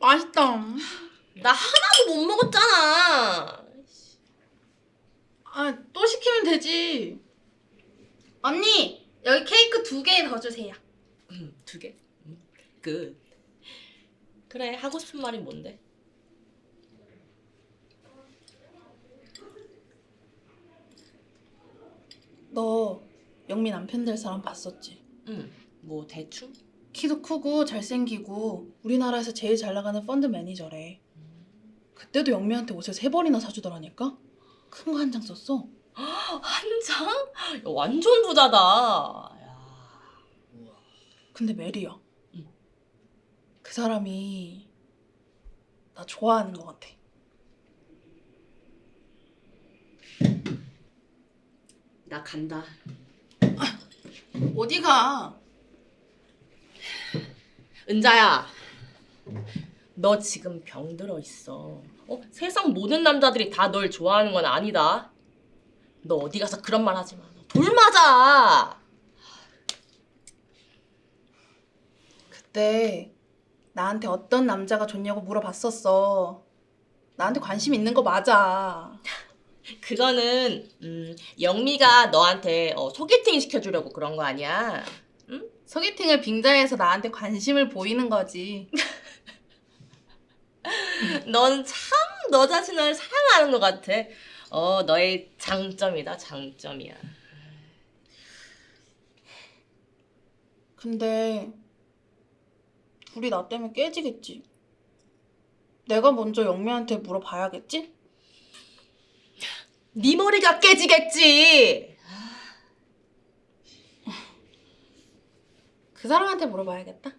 맛있다. 나 하나도 못 먹었잖아. 아, 또 시키면 되지. 언니, 여기 케이크 2개 더 주세요. 2개? 끝. 그래, 하고 싶은 말이 뭔데? 너 영미 남편 될 사람 봤었지? 뭐 대충? 키도 크고 잘생기고 우리나라에서 제일 잘 나가는 펀드 매니저래. 그때도 영미한테 옷을 3벌이나 사주더라니까? 큰 거 한 장 썼어. 한 장? 야, 완전 부자다. 야. 근데 메리야. 응. 그 사람이 나 좋아하는 것 같아. 나 간다. 어디가? 은자야, 너 지금 병들어 있어. 세상 모든 남자들이 다 널 좋아하는 건 아니다. 너 어디 가서 그런 말 하지 마. 돌 맞아. 그때 나한테 어떤 남자가 좋냐고 물어봤었어. 나한테 관심 있는 거 맞아. 그거는 영미가 너한테 소개팅 시켜주려고 그런 거 아니야? 응? 소개팅을 빙자해서 나한테 관심을 보이는 거지. 넌 참 너 자신을 사랑하는 것 같아. 너의 장점이다, 장점이야. 근데 둘이 나 때문에 깨지겠지. 내가 먼저 영미한테 물어봐야겠지? 네 머리가 깨지겠지. 그 사람한테 물어봐야겠다.